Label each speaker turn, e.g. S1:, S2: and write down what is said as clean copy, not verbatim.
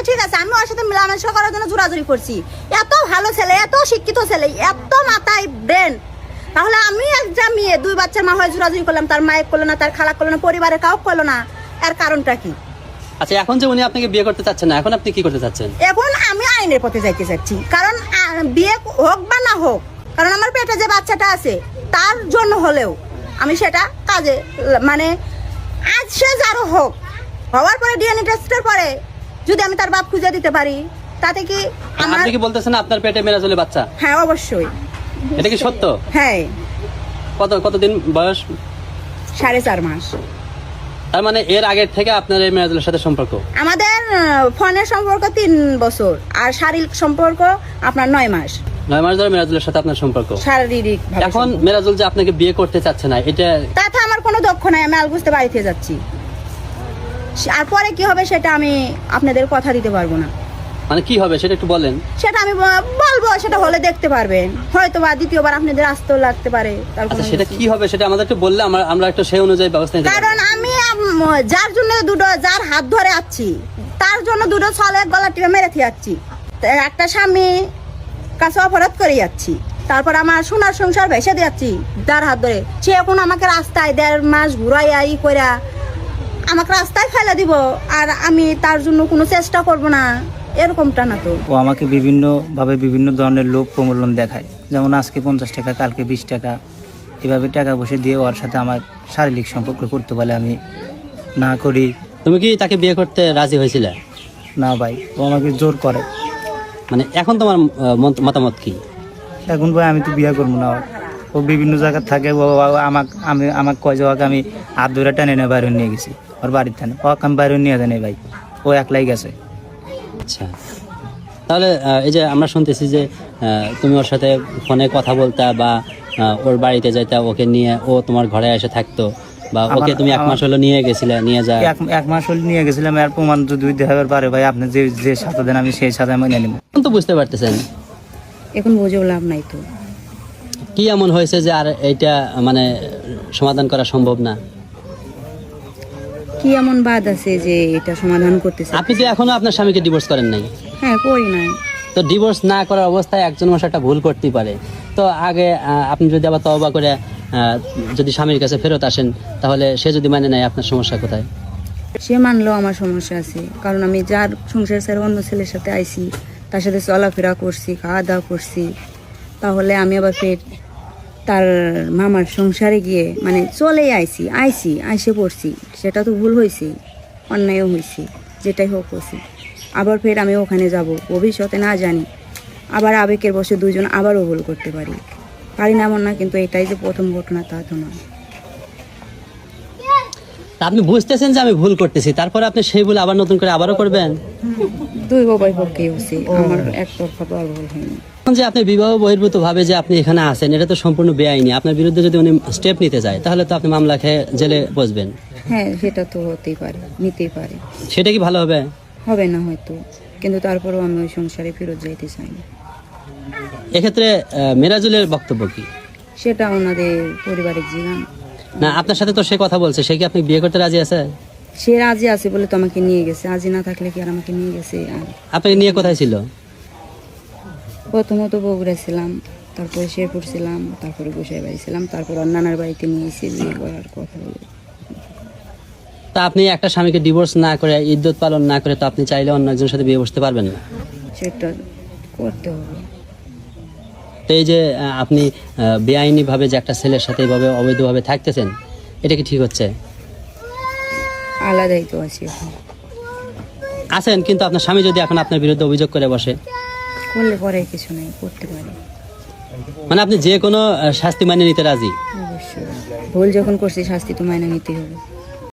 S1: ঠিক আছে, আমি ওর সাথে মেলামেশা করার জন্য জোরাজুরি করছি। এত ভালো ছেলে, এত শিক্ষিত ছেলে, এত মাথায় ব্রেন, তাহলে আমি একটা মেয়ে 2 বাচ্চার মা হয়ে জোরাজুরি করলাম, তার মায়ের করলো না, তার খালা করলো না, পরিবারের কাউ করলো না, এর কারণটা কি?
S2: আচ্ছা, এখন যে উনি আপনাকে বিয়ে করতে চাচ্ছেন না, এখন আপনি কি করতে চাচ্ছেন?
S1: এখন আমি আইনের পথে যাইতে চাচ্ছি, কারণ বিয়ে হোক বা না হোক, কারণ আমার পেটে যে বাচ্চাটা আছে তার জন্য হলেও আমি সেটা কাজে মানে আজ সে যারও হোক, হওয়ার পরে ডিএনএ টেস্টের পরে যদি আমি তার বাপ খুঁজে দিতে পারি, তাতে কি আমার...
S2: আপনি কি বলতেছেন আপনার পেটে মেরাজুলের বাচ্চা?
S1: হ্যাঁ, অবশ্যই।
S2: এটা কি সত্য?
S1: হ্যাঁ।
S2: কতদিন বয়স?
S1: 4.5 মাস।
S2: তার মানে এর আগের থেকে আপনার এই মেরাজুলের সাথে সম্পর্ক?
S1: আমাদের ফোনের সম্পর্ক 3 বছর, আর শারীরিক সম্পর্ক আপনার 9 মাস।
S2: 9 মাস ধরে মেরাজুলের সাথে আপনার সম্পর্ক
S1: শারীরিক।
S2: এখন মেরাজুল যে আপনাকে বিয়ে করতে চাচ্ছে না, এটা
S1: তাতে আমার কোনো দক্ষ নাই, আমি আলগুজতে বাড়িতে যাচ্ছি। আর পরে কি হবে সেটা আমি আপনাদের কথা দিতে পারবো না।
S2: মানে কি হবে সেটা একটু বলেন।
S1: সেটা আমি বলবো, সেটা হলে দেখতে পারবেন, হয়তো বা দ্বিতীয়বার আপনাদের আসতেও লাগতে পারে।
S2: আচ্ছা, সেটা কি হবে সেটা আমাদের একটু বললে আমরা একটু সেই অনুযায়ী ব্যবস্থা নিতে পারবো।
S1: কারণ আমি যার জন্য যার হাত ধরে আছি, তার জন্য 2 ছলে গলা টিপে মেরে যাচ্ছি, একটা স্বামী কাছে অপরাধ করে যাচ্ছি, তারপর আমার সোনার সংসার ভেসে দিচ্ছি যার হাত ধরে। সে এখন আমাকে রাস্তায় 1.5 মাস ঘুরাইয়া কইরা আমাকে রাস্তায় ফেলে দিব, আর আমি তার জন্য কোনো চেষ্টা করব না, এরকমটা না তো।
S3: ও আমাকে বিভিন্নভাবে বিভিন্ন ধরনের লোভ প্রলোভন দেখায়, যেমন আজকে 50 টাকা, কালকে 20 টাকা, এভাবে টাকা বসে দিয়ে ওর সাথে আমার শারীরিক সম্পর্ক করতে বলে আমি না করি।
S2: তুমি কি তাকে বিয়ে করতে রাজি হয়েছিলে?
S3: না ভাই, ও আমাকে জোর করে।
S2: মানে এখন তোমার মতামত কি?
S3: এখন ভাই আমি তো বিয়ে করবো না। ও বিভিন্ন জায়গায় থাকে, ও আমাকে কয় যাওয়াকে আমি হাত ধরে টেনে নিয়ে বাইরে নিয়ে গেছি ওর বাড়ির থানে। ওকে আমি বাইরে নিয়ে যাই ভাই, ও একলাই গেছে।
S2: আচ্ছা, তাহলে এই যে আমরা শুনতেছি যে তুমি ওর সাথে ফোনে কথা বলতা বা ওর বাড়িতে যাইতা, ওকে নিয়ে ও তোমার ঘরে এসে থাকতো, বা ওকে তুমি 1 মাস হলো নিয়ে গেছিলে, নিয়ে যায়
S3: 1 মাস হলে নিয়ে গেছিলাম। আর প্রমাণ যদি দেখাবার পারে ভাই, আপনি যে সাথে দেন আমি সেই সাথে মেনে নিব।
S2: এখন তো বুঝতে পারতেছেন,
S1: এখন বুঝেও লাভ নাই তো।
S2: কি এমন হয়েছে যে আর এইটা মানে সমাধান করা সম্ভব না?
S1: কি এমন বাদ আছে যে এটা সমাধান করতেছে?
S2: আপনি তো এখনো আপনার স্বামীকে ডিভোর্স করেন নাই।
S1: হ্যাঁ, করি নাই।
S2: তো ডিভোর্স না করার অবস্থায় একজন মানুষ একটা ভুল করতেই পারে। তো আগে আপনি যদি আবার তওবা করে যদি স্বামীর কাছে ফেরত আসেন, তাহলে সে যদি মানে নেয়, আপনার সমস্যা কোথায়?
S1: সে মানলেও আমার সমস্যা আছে, কারণ আমি যার সংসার ছেড়ে অন্য ছেলের সাথে আইছি, তার সাথে চলাফেরা করছি, খাওয়া দাওয়া করছি, তাহলে আমি আবার ফের তার মামার সংসারে গিয়ে মানে চলেই আইসে পড়ছি, সেটা তো ভুল হয়েছে, অন্যায়ও হয়েছে, যেটাই হোক হয়েছে। আবার ফের আমি ওখানে যাব, ভবিষ্যতে না জানি আবার আবেগের বসে 2 জন আবারও ভুল করতে পারি না এমন না, কিন্তু এটাই যে প্রথম ঘটনা তা তো নয়।
S2: আপনি বুঝতেছেন যে আমি ভুল করতেছি, তারপরে আপনি সেই ভুল আবার নতুন করে আবারও করবেন?
S1: 2 উভয় পক্ষেই হচ্ছে, আমার একতরফা তো আর ভুল হয়নি।
S2: এখন যে আপনি বিবাহ বহির্ভূত ভাবে যে আপনি এখানে আছেন, এটা তো সম্পূর্ণ বেআইনি। আপনার বিরুদ্ধে যদি উনি স্টেপ নিতে যায়, তাহলে তো আপনি মামলা খেয়ে জেলে বসবেন।
S1: হ্যাঁ, সেটা তো হতেই পারে, নিতেই পারে।
S2: সেটা কি ভালো হবে?
S1: হবে না হয়তো, কিন্তু তারপরেও আমি ওই সংসারে ফেরত যাইতে চাই না।
S2: এক্ষেত্রে মেরাজুলের বক্তব্য কি?
S1: সেটা ওনাদের পরিবারের জীবন।
S2: না, আপনার সাথে তো সে কথা বলছে, সে কি আপনি বিয়ে করতে রাজি আছে?
S1: সে রাজি আছে বলে তো আমাকে নিয়ে গেছে, রাজি না থাকলে কি আর আমাকে নিয়ে গেছে? আর
S2: আপনাকে নিয়ে কোথায় ছিল?
S1: প্রথমত বগুড়া ছিলাম, তারপরে শেরপুর ছিলাম, তারপরে গোসাই বাড়ি ছিলাম, তারপর ওর নানার বাড়িতে নিয়ে এসে বিয়ে করার কথা বলে।
S2: তা আপনি একটা স্বামীকে ডিভোর্স না করে, ইদ্যত পালন না করে, তো আপনি চাইলে অন্য একজনের সাথে বিয়ে বসতে পারবেন না?
S1: সেটা করতে হবে।
S2: তো এই যে আপনি বেআইনি ভাবে যে একটা ছেলের সাথে এইভাবে অবৈধভাবে থাকতেছেন, এটা কি ঠিক হচ্ছে?
S1: আলাদাই তো আছি এখন।
S2: আছেন, কিন্তু আপনার স্বামী যদি এখন আপনার বিরুদ্ধে অভিযোগ করে বসে?
S1: করলে পরে কিছু নেই, করতে পারি।
S2: মানে আপনি যে কোনো শাস্তি মানিয়ে নিতে রাজি?
S1: অবশ্যই, ভুল যখন করছি শাস্তি তো মাইনে নিতেই হবে।